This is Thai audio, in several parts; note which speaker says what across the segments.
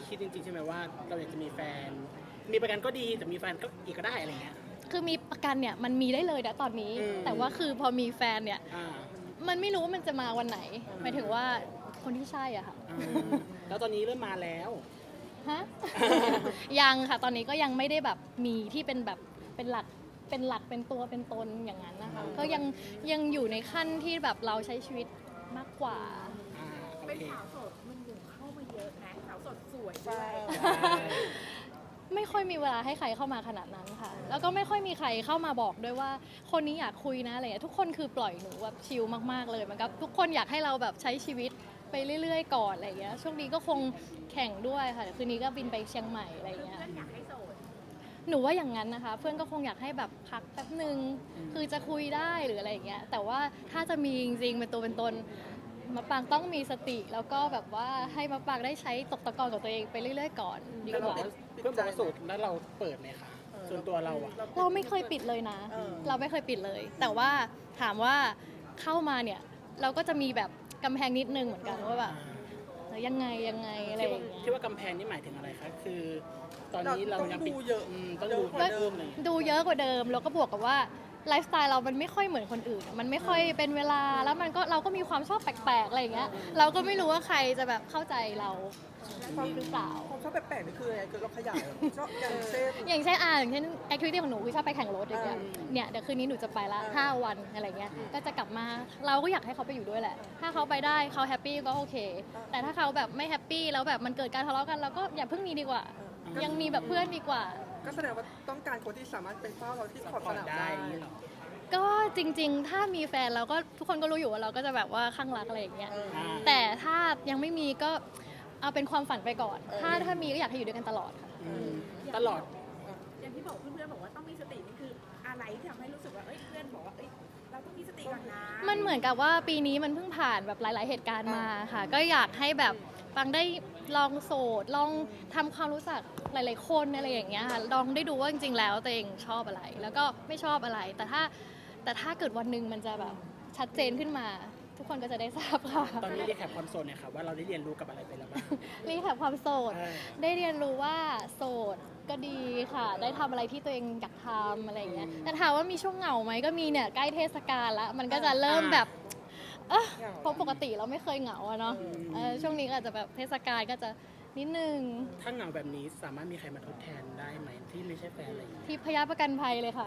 Speaker 1: คิดจริงๆใช่ไหมว่าเราอยากจะมีแฟนมีประกันก็ดีแต่มีแฟนก็อีกก็ได้อะไรเงี้ย
Speaker 2: คือมีประกันเนี่ยมันมีได้เลยนะตอนนี้แต่ว่าคือพอมีแฟนเนี่ยมันไม่รู้ว่ามันจะมาวันไหนหมายถึงว่าคนที่ใช่อะค่ะ
Speaker 1: แล้วตอนนี้เริ่มมาแล้ว
Speaker 2: ฮะ ยังค่ะตอนนี้ก็ยังไม่ได้แบบมีที่เป็นแบบเป็นหลักเป็นตัวเป็นตนอย่างนั้นนะคะก็ยังอยู่ในขั้นที่แบบเราใช้ชีวิตมากกว่า
Speaker 3: เป็นสาวโสดมันอยู่เข้ามาเยอะนะสาวโสดสวยด้วย
Speaker 2: ไม่ค่อยมีเวลาให้ใครเข้ามาขนาดนั้นค่ะแล้วก็ไม่ค่อยมีใครเข้ามาบอกด้วยว่าคนนี้อยากคุยนะอะไรอย่างเงี้ยทุกคนคือปล่อยหนูแบบชิลมากๆเลยมันก็ทุกคนอยากให้เราแบบใช้ชีวิตไปเรื่อยๆก่อนอะไรอย่างเงี้ยช่วงนี้ก็คงแข่งด้วยค่ะคืนนี้ก็บินไปเชียงใหม่อะไรอย่างเงี้ย
Speaker 3: เพื่อนอยากให้โสด
Speaker 2: หนูว่าอย่างนั้นนะคะเพื่อนก็คงอยากให้แบบพักแป๊บนึงคือจะคุยได้หรืออะไรอย่างเงี้ยแต่ว่าถ้าจะมีจริงๆเป็นตัวเป็นตนมะปรางต้องมีสติแล้วก็แบบว่าให้มะปรางได้ใช้ตกตะกอนกับตัวเองไปเรื่อยๆก่อนดีกว่า
Speaker 1: เพื่อนบอกว่าโสดแล้วเราเปิดไหมคะส่วนตัวเราอะ
Speaker 2: เราไม่เคยปิดเลยนะเราไม่เคยปิดเลย แต่ว่าถามว่าเข้ามาเนี่ยเราก็จะมีแบบกำแพงนิดนึงเหมือนกันว่าแบบยังไงอะไรอย่างเงี้ย
Speaker 1: ที่ว่ากำแพงนี่หมายถึงอะไรคะคือตอนนี้เรายังปิดต้องดูเดิมเลย
Speaker 2: ดูเยอะกว่าเดิมแล้วก็บวกกับว่าไลฟ์สไตล์เรามันไม่ค่อยเหมือนคนอื่นมันไม่ค่อยเป็นเวลาแล้วมันก็เราก็มีความชอบแปลกๆอะไรอย่างเงี้ยเราก็ไม่รู้ว่าใครจะแบบเข้าใจเราหรือเปล่า
Speaker 4: ความชอบแปลกๆนี่คืออะไรคือเราขยายชอบอย่างเช่น
Speaker 2: อย่างเช่นแอคทิวิตี้ของหนูคือชอบไปแข่งรถอย่างเงี้ยเนี่ยเดี๋ยวคืนนี้หนูจะไปละ5 วันอะไรเงี้ยก็จะกลับมาเราก็อยากให้เขาไปอยู่ด้วยแหละถ้าเขาไปได้เขาแฮปปี้ก็โอเคแต่ถ้าเขาแบบไม่แฮปปี้แล้วแบบมันเกิดการทะเลาะกันเราก็อย่าเพิ่งมีดีกว่ายังมีแบบเพื่อนดีกว่า
Speaker 4: ก็แสดงว่าต้องการคนที่สามารถเป็นเฝ้าเราที่ขอบสนามได้
Speaker 2: ก็จริงๆถ้ามีแฟนเราก็ทุกคนก็รู้อยู่ว่าเราก็จะแบบว่าข้างรักอะไรอย่างเงี้ยแต่ถ้ายังไม่มีก็เอาเป็นความฝันไปก่อนถ้ามีก็อยากให้อยู่ด้วยกันตลอดค่ะ
Speaker 1: ตลอด
Speaker 3: อย่างที่บอกเพื่อนๆบอกว่าต้องมีสตินี่คืออะไรที่ทำให้รู้สึกว่าเพื่อนบอกว่าเราต้องมีสติก่อนนะ
Speaker 2: มันเหมือนกับว่าปีนี้มันเพิ่งผ่านแบบหลายๆเหตุการณ์มาค่ะก็อยากให้แบบฟังได้ลองโสดลองทำความรู้จักหลายๆคนอะไรอย่างเงี้ยค่ะลองได้ดูว่าจริงๆแล้วตัวเองชอบอะไรแล้วก็ไม่ชอบอะไรแต่ถ้าเกิดวันหนึ่งมันจะแบบชัดเจนขึ้นมาทุกคนก็จะได้ทราบค่ะ
Speaker 1: ตอนนี้รีแคปความโสดเนี่ยค่ะว่าเราได้เรียนรู้กับอะไรไปแล้วบ้าง
Speaker 2: รีแคปความโสดได้เรียนรู้ว่าโสดก็ดีค่ะได้ทำอะไรที่ตัวเองอยากทำอะไรอย่างเงี้ยแต่ถามว่ามีช่วงเหงาไหมก็มีเนี่ยใกล้เทศกาลแล้วมันก็จะเริ่มแบบเพราะปกติเราไม่เคยเหงาอะเนาะช่วงนี้ก็อาจจะแบบเทศกาลก็จะนิดนึง
Speaker 1: ถ้าเหงาแบบนี้สามารถมีใครมาทดแทนได้ไหมที่ไม่ใช่แฟนอะไรอย่างเงี้ย
Speaker 2: ที่พยาประกันภัยเลยค่ะ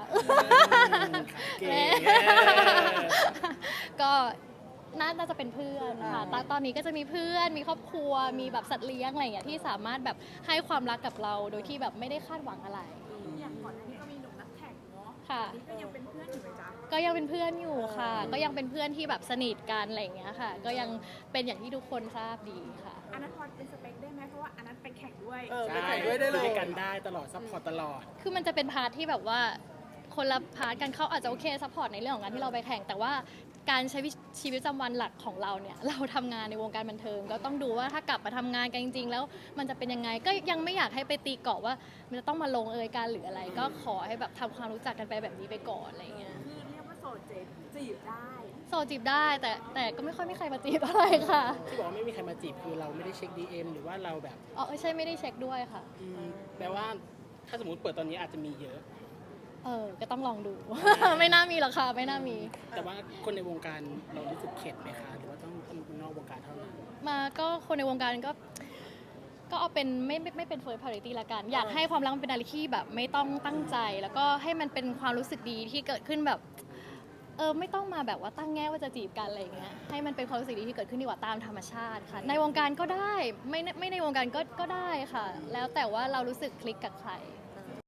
Speaker 2: ก็น่าจะเป็นเพื่อนค่ะตอนนี้ก็จะมีเพื่อนมีครอบครัวมีแบบสัตว์เลี้ยงอะไรอย่างเงี้ยที่สามารถแบบให้ความรักกับเราโดยที่แบบไม่ได้คาดหวังอะไร
Speaker 3: อย่างก่อนหน้านี้ก็มีหนุ่มนักแข่งเนาะ
Speaker 2: ค่ะ
Speaker 3: นี่ก็ยังเป็นเพื่อนอยู่ไหมจ๊ะ
Speaker 2: ก็ยังเป็นเพื่อนอยู่ค่ะก็ยังเป็นเพื่อนที่แบบสนิทกันอะไรอย่างเงี้ยค่ะก็ยังเป็นอย่างที่ทุกคนทราบดีค่ะ
Speaker 3: อันนั้นพอเป็นสเปคได้ไหมเพราะว่าอันนั้นไปแข่งด้วย
Speaker 4: ไปแข่งด้วยได้เลย
Speaker 1: กันได้ตลอดซัพพอร์ตตลอด
Speaker 2: คือมันจะเป็นพาร์ทที่แบบว่าคนละพาร์ทกันเขาอาจจะโอเคซัพพอร์ตในเรื่องของการที่เราไปแข่งแต่ว่าการใช้ชีวิตประจำวันหลักของเราเนี่ยเราทำงานในวงการบันเทิงก็ต้องดูว่าถ้ากลับมาทำงานกันจริงๆแล้วมันจะเป็นยังไงก็ยังไม่อยากให้ไปตีกรอบว่ามันจะต้องมาลงเอยกันหรืออะไรก็ขอให้แบบทำความรู้จักกันไปแบบนี้ไปก่อนอะไรเงี้ย
Speaker 3: คือเรียกว่าโสดจีบได้
Speaker 2: โสดจีบได้แต่ก็ไม่ค่อยมีใครมาจีบอะไรค่ะ
Speaker 1: ที่บอกว่าไม่มีใครมาจีบคือเราไม่ได้เช็ค DM หรือว่าเราแบบ
Speaker 2: ใช่ไม่ได้เช็คด้วยค่ะ
Speaker 1: แปลว่าถ้าสมมติเปิดตอนนี้อาจจะมีเยอะ
Speaker 2: ก็ต้องลองดู ไม่น่ามีหรอกค่ะไม่น่ามี
Speaker 1: แต่ว่าคนในวงการเรารู้สึกเข็ดไหมคะหรือว่าต้องคนนอกวงการเท่านั้น
Speaker 2: มาก็คนในวงการก็เอาเป็นไม่เป็น first priority ละกันอยากให้ความรักมันเป็นอะไรที่แบบไม่ต้องตั้งใจแล้วก็ให้มันเป็นความรู้สึกดีที่เกิดขึ้นแบบไม่ต้องมาแบบว่าตั้งแง่ว่าจะจีบกันอะไรอย่างเงี้ยให้มันเป็นความรู้สึกดีที่เกิดขึ้นดีกว่าตามธรรมชาติค่ะในวงการก็ได้ไม่ในวงการก็ได้ค่ะแล้วแต่ว่าเรารู้สึกคลิกกับใคร